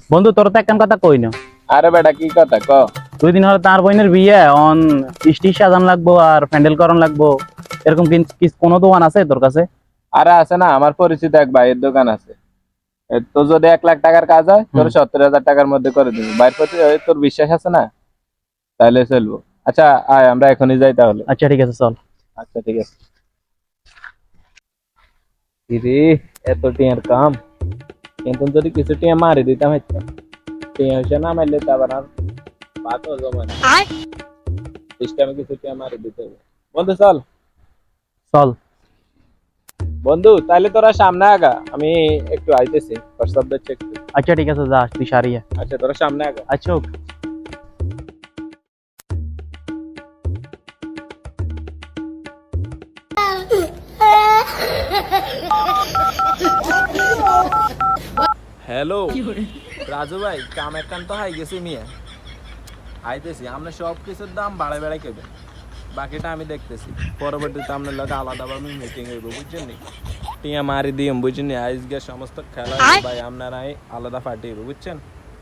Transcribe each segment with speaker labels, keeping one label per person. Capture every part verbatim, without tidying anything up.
Speaker 1: বন্ধু তোর তো একখান কথা কই না।
Speaker 2: আরে বেটা কি কথা ক।
Speaker 1: দুই দিন হলো তার বোনের বিয়ে, অন স্টেজ সাজান লাগবো আর প্যান্ডেল করন লাগবো, এরকম কি কি- কোনো দোকান আছে তোর কাছে?
Speaker 2: আরে আছে না, আমার পরিচিত এক ভাইয়ের দোকান আছে। এ, তোর যদি এক লাখ টাকার কাজ হয় তোর
Speaker 1: হুম।
Speaker 2: সত্তর হাজার টাকার মধ্যে করে দিবি। ভাইয়ের প্রতি এ, তোর বিশ্বাস আছে না? তাহলে চলবো। আচ্ছা আয় আমরা এখনই যাই তাহলে।
Speaker 1: আচ্ছা ঠিক আছে, চল।
Speaker 2: আচ্ছা ঠিক আছে। রে, এত টিয়ার কাম, কিন্তু যদি কিছু টিয়া মারি দিতাম হচ্ছে। টিয়া হইছে না মারলে তো আবার আর বাত হলো মানে সিস্টেমে কিছু টিয়া মারি দিতে হবে। বন্ধু চল।
Speaker 1: চল।
Speaker 2: বন্ধু তাহলে তোরা সামনে আগা, আমি একটু আইতেছি হোয়াটসঅ্যাপ দেখছি একটু।
Speaker 1: আচ্ছা ঠিক আছে, যা তুই সারিয়া।
Speaker 2: আচ্ছা তোরা সামনে আগা।
Speaker 1: আচ্ছা ওকে।
Speaker 2: হ্যালো রাজু ভাই, কাম একখান তো হাই গেছি মিয়া। আইতেছি, আমরা সব কিছুর দাম বাড়াই বাড়াই কেবেন, বাকিটা আমি দেখতেছি। পরবর্তীতে আপনার লোক আলাদাভাবে মিটিং হইব, বুঝছেন নি? টিয়া মারি দিয়ে বুঝছেন নি, আজকে সমস্ত খেলা হইবো ভাই আপনারাই আলাদা পার্টি হইব, বুঝছেন?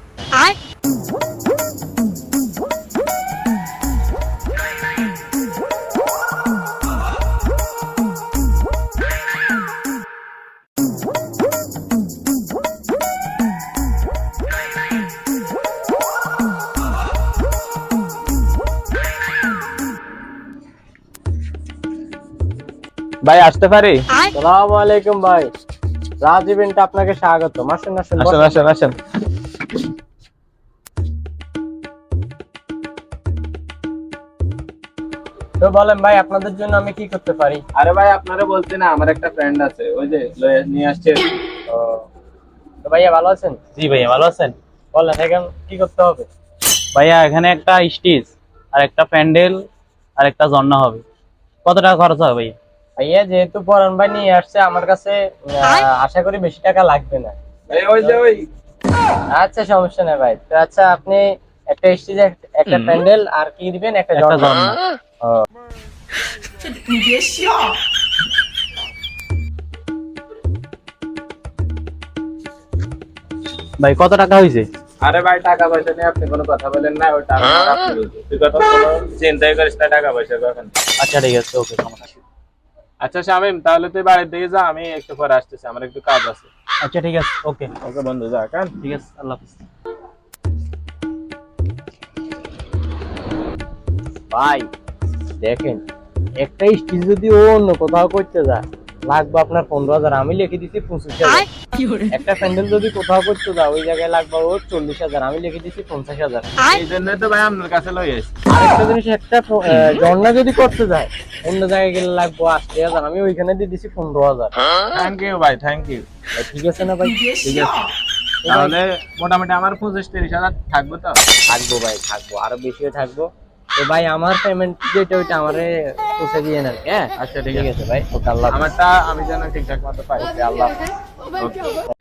Speaker 2: ভাই আসতে পারি?
Speaker 3: সালামু আলাইকুম ভাই, রাজ ইভেন্টে আপনাকে স্বাগত। আসেন আসেন
Speaker 2: আসেন
Speaker 3: বসেন।
Speaker 2: আসেন আসেন।
Speaker 3: তো বলেন ভাই, আপনাদের জন্য আমি কি করতে পারি?
Speaker 2: আরে ভাই আপনারা বলতে না, আমার একটা ফ্রেন্ড আছে, ওই যে লয়ে- নিয়ে আসছে।
Speaker 3: ও, তো ভাইয়া ভালো আছেন?
Speaker 1: জি ভাইয়া, ভালো আছেন?
Speaker 3: বলেন এখন কি করতে হবে?
Speaker 1: ভাইয়া এখানে একটা স্টেজ আর একটা প্যান্ডেল আর একটা ঝর্ণা হবে, কত টাকা খরচ হবে ভাইয়া?
Speaker 3: ভাইয়া যেহেতু পরান ভাই নিয়ে আসছে আমার কাছে, আহ, আশা করি বেশি টাকা লাগবে না।
Speaker 2: এই ওই যে ওই
Speaker 3: আচ্ছা সমস্যা নেই ভাই। তো আচ্ছা আপনি একটা স্টেজ, একটা
Speaker 1: হুম।
Speaker 3: প্যান্ডেল আর কি দিবেন? একটা
Speaker 1: একটা
Speaker 3: ঝর্ণা।
Speaker 1: ঝর্ণা।
Speaker 3: ও,
Speaker 1: ভাই কত টাকা হয়েছে?
Speaker 2: আরে ভাই টাকা পয়সা নিয়ে আপনি কোনো কথা বলেন না, ওই টাকা আপনি বুঝুন। তুই কথা কোনো চিন্তাই করিস না টাকা পয়সা কখন।
Speaker 1: আচ্ছা ঠিক আছে, ওকে, সমস্যা নেই।
Speaker 2: আচ্ছা শামিম, তাহলে তুই বাড়ির দিকে যা, আমি একটু পরে আসতেছি, আমার একটু কাজ আছে।
Speaker 1: আচ্ছা ঠিক আছে, ওকে।
Speaker 2: ওকে বন্ধু, যা কেন।
Speaker 1: ঠিক আছে, আল্লাহ হাফিজ।
Speaker 3: ভাই দেখেন, একটা স্টেজ যদি ও অন্য কোথাও করতে যায় লাগবে আপনার পনেরো হাজার, আমি লিখে দিচ্ছি পঁচিশ হাজার। একটা প্যান্ডেল যদি কোথাও করতে যায় ওই জায়গায় লাগবে ওর চল্লিশ হাজার, আমি লিখে দিচ্ছি পঞ্চাশ হাজার।
Speaker 2: এই জন্যই তো ভাই আপনার কাছে লই আসি।
Speaker 3: আরেকটা জিনিস, একটা প- আহ, ঝর্ণা যদি করতে যায় অন্য জায়গায় গেলে লাগবে আশি হাজার, আমি ওইখানে দিয়ে দিচ্ছি পনেরো হাজার।
Speaker 2: থ্যাংক ইউ ভাই, থ্যাংক ইউ।
Speaker 3: ঠিক আছে না ভাই?
Speaker 2: ঠিক আছে, তাহলে মোটামুটি আমার পঁচিশ তিরিশ হাজার থাকবে তো?
Speaker 3: থাকবো ভাই, থাকবো, আরো বেশিও থাকবো। তো ভাই আমার পেমেন্ট যেটা ওইটা আমারে পৌঁছে দিয়ে নেন। হ্যাঁ
Speaker 2: আচ্ছা ঠিক
Speaker 3: ঠিক
Speaker 2: আছে।
Speaker 3: আছে ভাই, ওকে, আল্লাহ হাফেজ।
Speaker 2: আমারটা আমি যেন ঠিকঠাক মতো পাই।
Speaker 3: ওকে, আল্লাহ হাফেজ।
Speaker 2: ওকে।